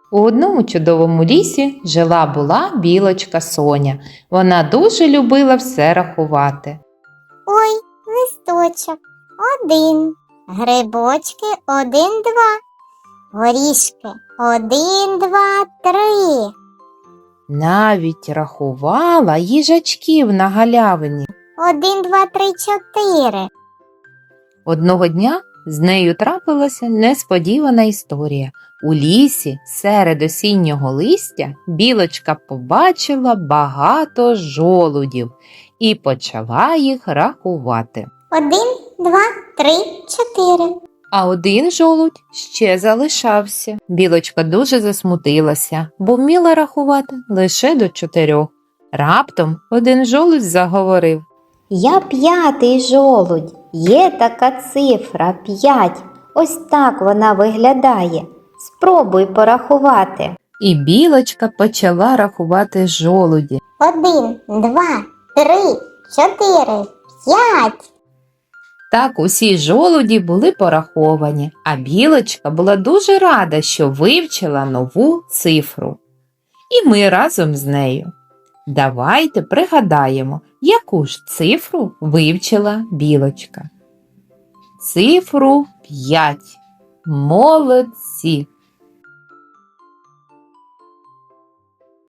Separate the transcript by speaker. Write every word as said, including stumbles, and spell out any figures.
Speaker 1: У одному чудовому лісі жила-була білочка Соня. Вона дуже любила все рахувати.
Speaker 2: Ой, листочок, один. Грибочки, один, два. Горішки, один, два, три.
Speaker 1: Навіть рахувала їжачків на галявині.
Speaker 2: Один, два, три, чотири.
Speaker 1: Одного дня з нею трапилася несподівана історія. У лісі серед осіннього листя білочка побачила багато жолудів і почала їх рахувати.
Speaker 2: Один, два, три, чотири.
Speaker 1: А один жолудь ще залишався. Білочка дуже засмутилася, бо вміла рахувати лише до чотирьох. Раптом один жолудь заговорив.
Speaker 3: Я п'ятий жолудь. Є така цифра п'ять. Ось так вона виглядає. Спробуй порахувати.
Speaker 1: І білочка почала рахувати жолуді.
Speaker 2: Один, два, три, чотири, п'ять.
Speaker 1: Так усі жолуді були пораховані, а білочка була дуже рада, що вивчила нову цифру. І ми разом з нею. Давайте пригадаємо, яку ж цифру вивчила білочка. Цифру п'ять. Молодці!